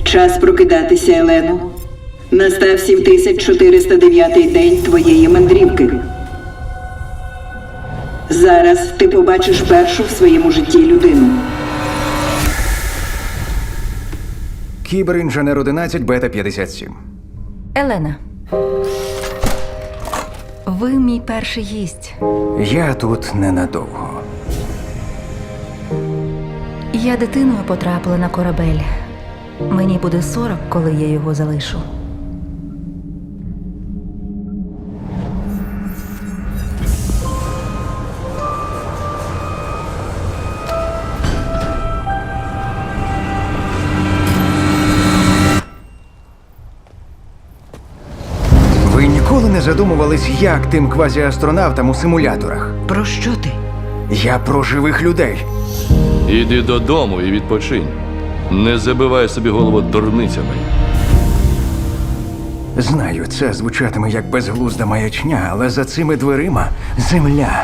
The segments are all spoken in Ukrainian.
Час прокидатися, Елено. Настав 7409 день твоєї мандрівки. Зараз ти побачиш першу в своєму житті людину. Кіберінженер 11, бета 57. Елена. Ви мій перший гість. Я тут ненадовго. Я дитиною потрапила на корабель. Мені буде 40, коли я його залишу. Ви ніколи не задумувались, як тим квазіастронавтам у симуляторах? Про що ти? Я про живих людей. Іди додому і відпочинь. Не забивай собі голову дурницями. Знаю, це звучатиме як безглузда маячня, але за цими дверима земля.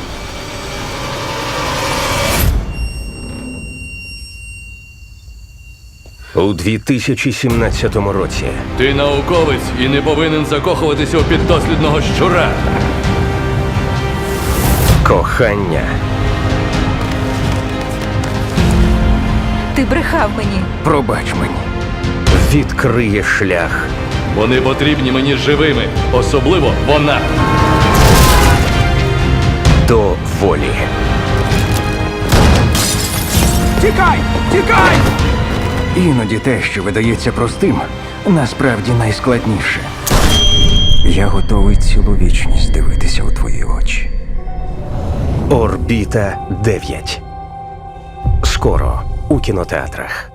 У 2017 році Ти науковець і не повинен закохуватися у піддослідного щура. кохання Ти брехав мені. Пробач мені. відкриє шлях Вони потрібні мені живими, особливо вона. до волі. Тікай! Тікай! Іноді те, що видається простим, насправді найскладніше. Я готовий цілу вічність дивитися у твої очі. Орбіта 9. Скоро у кінотеатрах.